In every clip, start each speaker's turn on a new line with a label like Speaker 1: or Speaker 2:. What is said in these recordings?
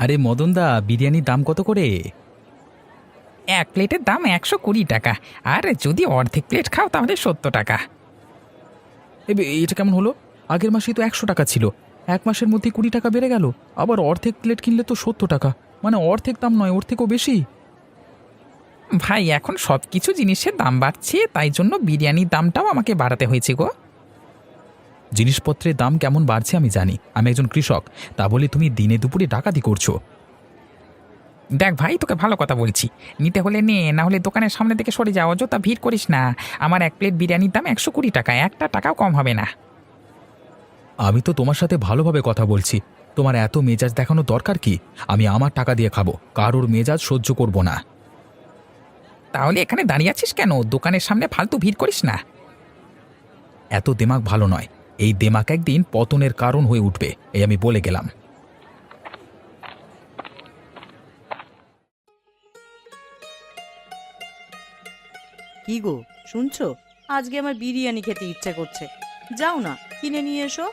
Speaker 1: আরে মদনদা, বিরিয়ানির দাম কত করে?
Speaker 2: এক প্লেটের দাম 120 টাকা। আর যদি অর্ধেক প্লেট খাও তাহলে 70 টাকা।
Speaker 1: এটা কেমন হলো? আগের মাসেই তো 100 টাকা ছিল, এক মাসের মধ্যে 20 টাকা বেড়ে গেল। আবার অর্ধেক প্লেট কিনলে তো 70 টাকা, মানে অর্ধেক দাম নয়, ওর থেকেও বেশি।
Speaker 2: ভাই, এখন সব কিছু জিনিসের দাম বাড়ছে, তাই জন্য বিরিয়ানির দামটাও আমাকে বাড়াতে হয়েছে গো।
Speaker 1: জিনিসপত্রের দাম কেমন বাড়ছে আমি জানি, আমি একজন কৃষক, তা বলে তুমি দিনে দুপুরে ডাকাতি করছো?
Speaker 2: দেখ ভাই, তোকে ভালো কথা বলছি, নিতে হলে নে, না হলে দোকানের সামনে থেকে সরে যাও, অযথা ভিড় করিস না। আমার এক প্লেট বিরিয়ানির দাম 120 টাকা, একটা টাকাও কম হবে না।
Speaker 1: আমি তো তোমার সাথে ভালোভাবে কথা বলছি, তোমার এত মেজাজ দেখানো দরকার কি? আমি আমার টাকা দিয়ে খাবো, কারোর মেজাজ সহ্য করব না।
Speaker 2: তাহলে এখানে দাঁড়িয়ে আছিস কেন? দোকানের সামনে ফালতু ভিড় করিস না।
Speaker 1: এত দেমাগ ভালো নয়, এই দেমাগ একদিন পতনের কারণ হয়ে উঠবে, এই আমি বলে গেলাম।
Speaker 3: কি গো, শুনছো? আজকে আমার বিরিয়ানি খেতে ইচ্ছে করছে। যাও না, কিনে নিয়ে এসো।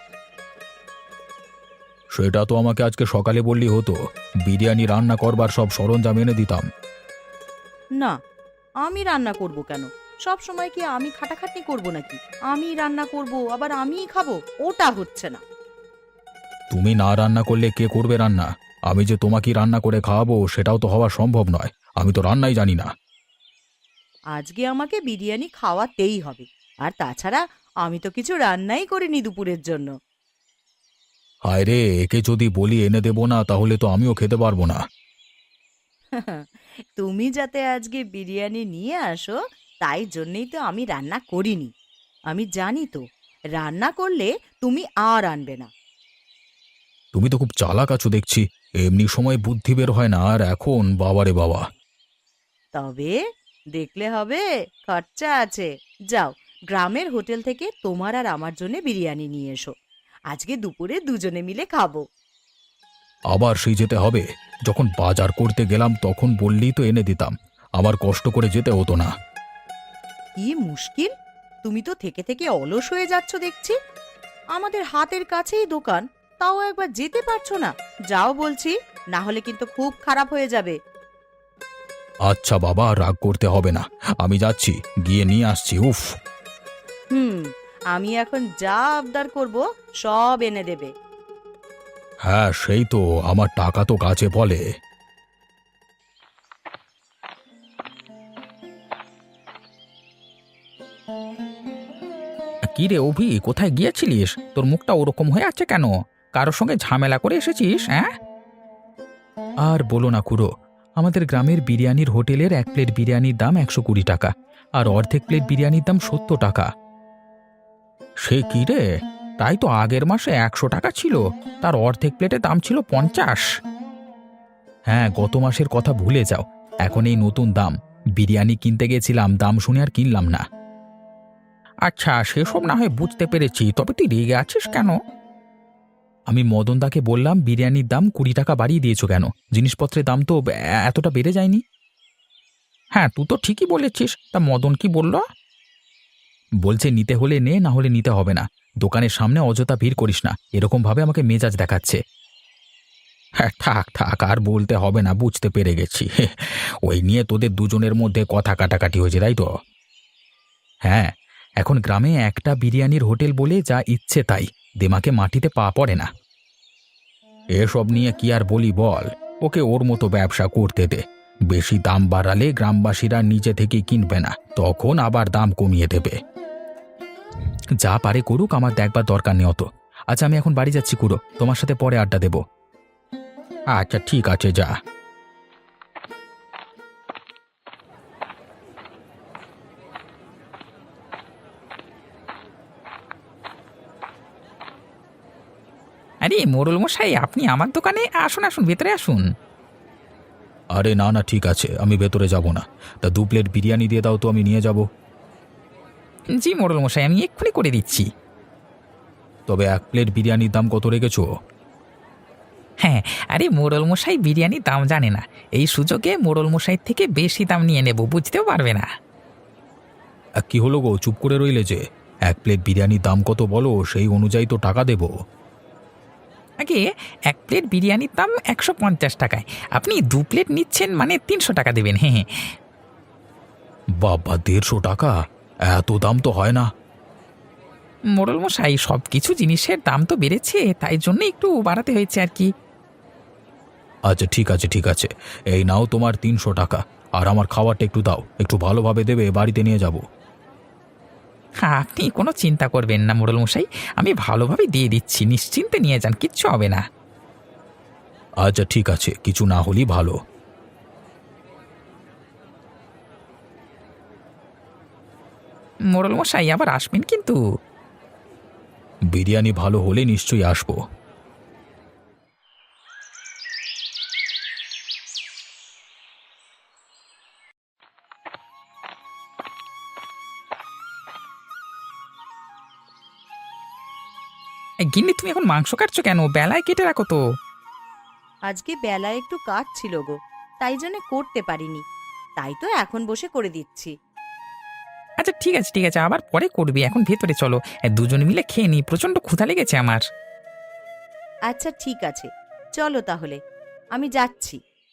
Speaker 1: সেটা তো আমাকে আজকে সকালে বললি হতো, বিরিয়ানি রান্না করবার সব সরঞ্জাম এনে দিতাম।
Speaker 3: না, আমি রান্না করব কেন? সব সময় কি আমি খাটাখাটনি করব নাকি? আমি রান্না করব আবার আমিই খাবো, ওটা হচ্ছে না।
Speaker 1: তুমি না রান্না করলে কে করবে রান্না? আমি যে তোমাকে রান্না করে খাওয়াবো সেটাও তো হওয়া সম্ভব নয়, আমি তো রান্নাই জানি না।
Speaker 3: আজকে আমাকে বিরিয়ানি খাওয়াতেই হবে। আর তাছাড়া আমি তো কিছু রান্নাই করিনি দুপুরের জন্য।
Speaker 1: হায় রে, একে যদি বলি এনে দেবো না তাহলে তো আমিও খেতে পারবো না।
Speaker 3: তুমি যাতে আজকে বিরিয়ানি নিয়ে আসো, তাই জন্যই তো আমি রান্না করিনি। আমি জানি তো, রান্না করলে তুমি আর আনবে না।
Speaker 1: তুমি তো খুব চালাক আছো দেখছি, এমনি সময় বুদ্ধি বের হয় না, আর এখন বাবারে বাবা।
Speaker 3: তবে দেখলে হবে, খরচা আছে। যাও, গ্রামের হোটেল থেকে তোমার আর আমার জন্য বিরিয়ানি নিয়ে এসো। আজকে দুপুরে দুজনে মিলে খাবো।
Speaker 1: আবার সেই যেতে হবে? যখন বাজার করতে গেলাম তখন বললেই তো এনে দিতাম, আমার কষ্ট করে যেতে হতো না।
Speaker 3: কি মুশকিল! তুমি তো থেকে থেকে অলস হয়ে যাচ্ছ দেখছি। আমাদের হাতের কাছেই দোকান, তাও একবার যেতে পারছো না। যাও বলছি, না হলে কিন্তু খুব খারাপ হয়ে যাবে।
Speaker 1: আচ্ছা বাবা, রাগ করতে হবে না, আমি যাচ্ছি, গিয়ে নিয়ে আসছি। উফ।
Speaker 3: হুম, আমি এখন যা আবদার করব সব এনে দেবে।
Speaker 1: হ্যাঁ সেই তো, আমার টাকা তো কাছে বলে।
Speaker 2: কি রে অভি, কোথায় গিয়েছিলিস? তোর মুখটা ওরকম হয়ে আছে কেন? কারোর সঙ্গে ঝামেলা করে এসেছিস? হ্যাঁ।
Speaker 1: আর বলো না খুড়ো, আমাদের গ্রামের বিরিয়ানির হোটেলের এক প্লেট বিরিয়ানির দাম 120 টাকা, আর অর্ধেক প্লেট বিরিয়ানির দাম 70 টাকা।
Speaker 2: সে কি রে? তাই তো আগের মাসে 100 টাকা ছিল, তার অর্ধেক প্লেটের দাম ছিল 50।
Speaker 1: হ্যাঁ, গত মাসের কথা ভুলে যাও, এখন এই নতুন দাম। বিরিয়ানি কিনতে গেছিলাম, দাম শুনে আর কিনলাম না।
Speaker 2: আচ্ছা, সেসব না হয় বুঝতে পেরেছি, তবে তুই রেগে আছিস কেন?
Speaker 1: আমি মদনদাকে বললাম, বিরিয়ানির দাম 20 টাকা বাড়িয়ে দিয়েছো কেন? জিনিসপত্রের দাম তো এতটা বেড়ে যায়নি।
Speaker 2: হ্যাঁ, তুই তো ঠিকই বলেছিস, তা মদন কি বলল?
Speaker 1: বলছে নিতে হলে নে, না হলে নিতে হবে না। দোকানের সামনে অযথা ভিড় করিস না, এরকম ভাবে আমাকে মেজাজ দেখাচ্ছে।
Speaker 2: হ্যাঁ, থাক থাক, আর বলতে হবে না, বুঝতে পেরে গেছি।
Speaker 1: ওই নিয়ে তোদের দুজনের মধ্যে কথা কাটাকাটি হয়েছে, তাই তো? হ্যাঁ, এখন গ্রামে একটা বিরিয়ানির হোটেল বলে যা ইচ্ছে তাই, দেমাকে মাটিতে পা পড়ে না।
Speaker 2: এসব নিয়ে কি আর বলি বল, ওকে ওর মতো ব্যবসা করতে দে। বেশি দাম বাড়ালে গ্রামবাসীরা নিজে থেকে কিনবে না, তখন আবার দাম কমিয়ে দেবে।
Speaker 1: যা পারে করুক, আমার দেখবার দরকার নেই অত। আচ্ছা, আমি এখন বাড়ি যাচ্ছি খুড়ো, তোমার সাথে পরে আড্ডা দেব।
Speaker 2: আচ্ছা ঠিক আছে, যা। আরে মোড়ল মশাই, আপনি আমার দোকানে আসুন, আসুন, ভেতরে আসুন।
Speaker 1: আরে না না, ঠিক আছে, আমি ভেতরে যাব না। তা 2 প্লেট বিরিয়ানি দিয়ে দাও তো, আমি নিয়ে যাব।
Speaker 2: জি মোড়ল মশাই, আমি এক্ষুনি করে দিচ্ছি।
Speaker 1: তবে 1 প্লেট বিরিয়ানির দাম কত রেখেছো?
Speaker 2: হ্যাঁ, আরে মোড়ল মশাই বিরিয়ানির দাম জানে না, এই সুযোগে মোড়ল মশাই থেকে বেশি দাম নিয়ে নেব, বুঝতেও পারবে না।
Speaker 1: কি হলো গো, চুপ করে রইলে যে? 1 প্লেট বিরিয়ানির দাম কত বলো, সেই অনুযায়ী তো টাকা দেব।
Speaker 2: আগে
Speaker 4: এক প্লেট বিরিয়ানির দাম 150 টাকায়, আপনি 2 প্লেট নিচ্ছেন মানে 300 টাকা দেবেন। হ্যাঁ হ্যাঁ।
Speaker 2: বাবা, 150 টাকা? এত দাম তো হয় না।
Speaker 4: মোড়ল মশাই, সব কিছু জিনিসের দাম তো বেড়েছে, তাই জন্য একটু বাড়াতে হয়েছে আর কি।
Speaker 2: আচ্ছা ঠিক আছে ঠিক আছে, এই নাও তোমার 300 টাকা। আর আমার খাবারটা একটু দাও, একটু ভালোভাবে দেবে, বাড়িতে নিয়ে যাব।
Speaker 4: হ্যাঁ, আপনি কোনো চিন্তা করবেন না মোড়ল মশাই, আমি ভালোভাবে দিয়ে দিচ্ছি, নিশ্চিন্তে নিয়ে যান, কিচ্ছু হবে না।
Speaker 2: আচ্ছা ঠিক আছে, কিছু না হলেই ভালো।
Speaker 4: মোড়ল মশাই, আবার আসবেন কিন্তু।
Speaker 2: বিরিয়ানি ভালো হলে নিশ্চয়ই আসবো।
Speaker 4: গিন্নি, তুমি এখন মাংস কাটছো কেন? বেলায় কেটে রাখো তো।
Speaker 3: আজকে বেলায় একটু কাজ ছিল গো, তাই জন্য করতে পারিনি, তাই তো এখন বসে করে দিচ্ছি।
Speaker 4: আচ্ছা ঠিক আছে ঠিক আছে, আবার পরে করবি, এখন ভেতরে চলো, দুজনে মিলে খেয়ে নি, প্রচন্ড ক্ষুধা লেগেছে আমার।
Speaker 3: আচ্ছা ঠিক আছে, চলো তাহলে, আমি যাচ্ছি।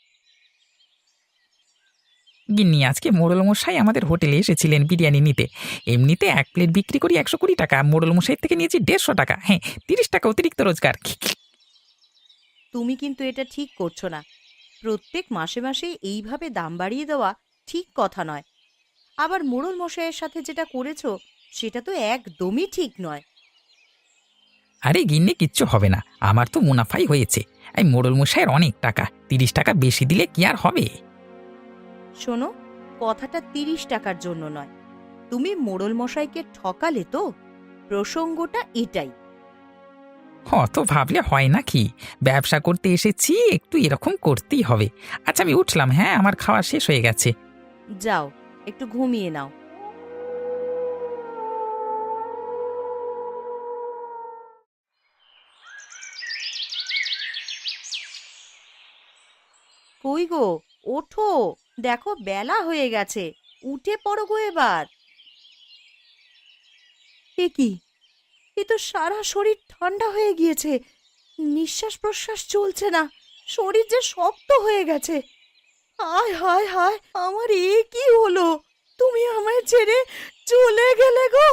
Speaker 4: গিন্নি, আজকে মোড়ল মশাই আমাদের হোটেলে এসেছিলেন বিরিয়ানি নিতে। এমনিতে 1 প্লেট বিক্রি করি 120 টাকা, মোড়ল মশাই থেকে নিয়েছি 150 টাকা। হ্যাঁ, 30 টাকা অতিরিক্ত রোজগার।
Speaker 3: তুমি কিন্তু এটা ঠিক করছো না। প্রত্যেক মাসে মাসে এইভাবে দাম বাড়িয়ে দেওয়া ঠিক কথা নয়। আবার মোড়ল মশাইয়ের সাথে যেটা করেছো সেটা তো একদমই ঠিক নয়।
Speaker 4: আরে গিন্নি, কিচ্ছু হবে না, আমার তো মুনাফাই হয়েছে। এই মোড়ল মশাইয়ের অনেক টাকা, 30 টাকা বেশি দিলে কি আর হবে?
Speaker 3: শোনো, কথাটা 30 টাকার জন্য নয়, তুমি মোড়ল মশাইকে ঠকালে তো, প্রসঙ্গটা এটাই।
Speaker 4: অত ভাবলে হয় নাকি? ব্যবসা করতে এসেছি, একটু এরকম করতেই হবে। আচ্ছা আমি উঠলাম, হ্যাঁ, আমার খাওয়া শেষ হয়ে গেছে।
Speaker 3: যাও, একটু ঘুমিয়ে নাও। কই গো, ওঠো, দেখো বেলা হয়ে গেছে, উঠে পড়ো গো এবার। এ কি, এ তো সারা শরীর ঠান্ডা হয়ে গিয়েছে, নিঃশ্বাস প্রশ্বাস চলছে না, শরীর যে শক্ত হয়ে গেছে। হায় হায় হায়, আমার এ কি হলো? তুমি আমায় ছেড়ে চলে গেলে গো।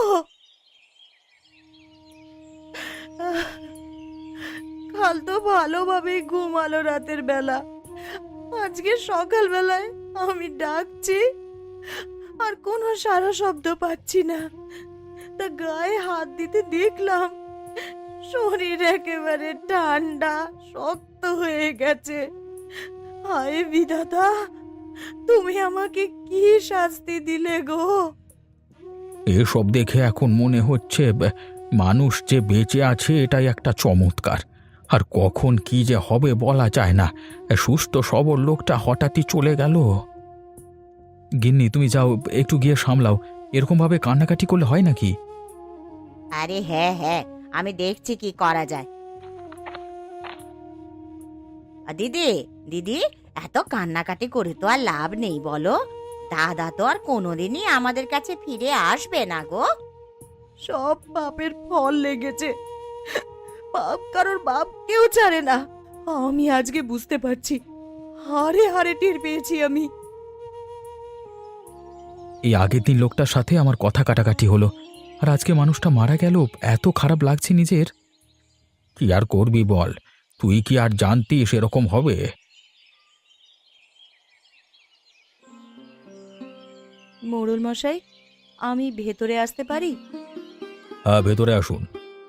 Speaker 3: আহ, কাল তো ভালোভাবেই ঘুমালো রাতের বেলা, আজকে সকালবেলায় আমি ডাকছি আর কোনো সারা শব্দ পাচ্ছি না। তা গায়ে হাত দিতে দেখলাম শরীর একেবারে ঠান্ডা শক্ত হয়ে গেছে। হায় বিধাতা, তুমি আমাকে কি শাস্তি দিলে গো?
Speaker 2: এসব দেখে এখন মনে হচ্ছে মানুষ যে বেঁচে আছে এটাই একটা চমৎকার। আর কখন কি যে হবে বলা যায় না। সুস্থ সবল লোকটা হঠাৎই চলে গেল। গিন্নি, তুমি যাও, একটু গিয়ে সামলাও। এরকম ভাবে কান্নাকাটি করলে হয় নাকি?
Speaker 3: আরে হ্যাঁ হ্যাঁ, আমি দেখছি কি করা যায়। দিদি দিদি, এত কান্নাকাটি করে তো আর লাভ নেই বলো, দাদা তো আর কোনোদিনই আমাদের কাছে ফিরে আসবে না গো। সব পাপের ফল লেগেছে, পাপ কারোর বাপ কেউ ছাড়ে না। আমি আজকে বুঝতে পারছি, হারে হারে টের পেয়েছি আমি।
Speaker 2: এই আগের দিন লোকটার সাথে আমার কথা কাটাকাটি হলো, আর আজকে মানুষটা মারা গেল, এত খারাপ লাগছে নিজের। কি আর করবি বল, তুই কি আর জানতিস এরকম হবে?
Speaker 3: মোড়ল মশাই, আমি ভেতরে আসতে পারি?
Speaker 2: হ্যাঁ, ভেতরে আসুন।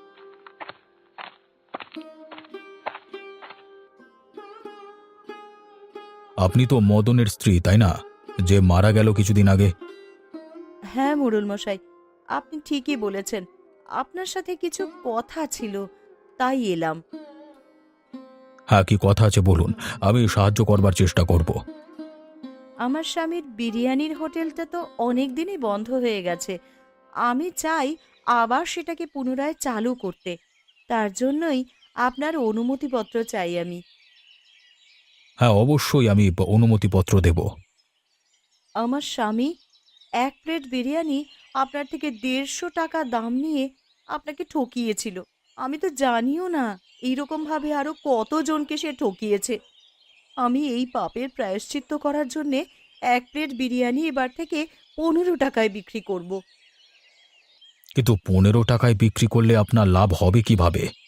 Speaker 2: আপনি তো মদনের স্ত্রী, তাই না, যে মারা গেল কিছুদিন আগে?
Speaker 3: হ্যাঁ মোড়ল মশাই, আপনি ঠিকই বলেছেন, আপনার সাথে কিছু কথা ছিল, তাই এলাম।
Speaker 2: হ্যাঁ, কি কথা আছে বলুন, আমি সাহায্য করবার চেষ্টা করব।
Speaker 3: আমার স্বামীর বিরিয়ানির হোটেলটা তো অনেক দিনই বন্ধ হয়ে গেছে, আমি চাই আবার সেটাকে পুনরায় চালু করতে, তার জন্যই আপনার অনুমতিপত্র চাই আমি।
Speaker 2: হ্যাঁ, অবশ্যই আমি অনুমতিপত্র দেব।
Speaker 3: আমার স্বামী 1 প্লেট বিরিয়ানি আপনার থেকে 150 টাকা দাম নিয়ে আপনাকে ঠকিয়েছিল, আমি তো জানিও না এইরকম ভাবে আরো কতজনকে সে ঠকিয়েছে। আমি এই পাপের প্রায়শ্চিত্ত করার জন্যে 1 প্লেট বিরিয়ানি এবার থেকে 15 টাকায় বিক্রি করব।
Speaker 2: কিন্তু 15 টাকায় বিক্রি করলে আপনার লাভ হবে কিভাবে?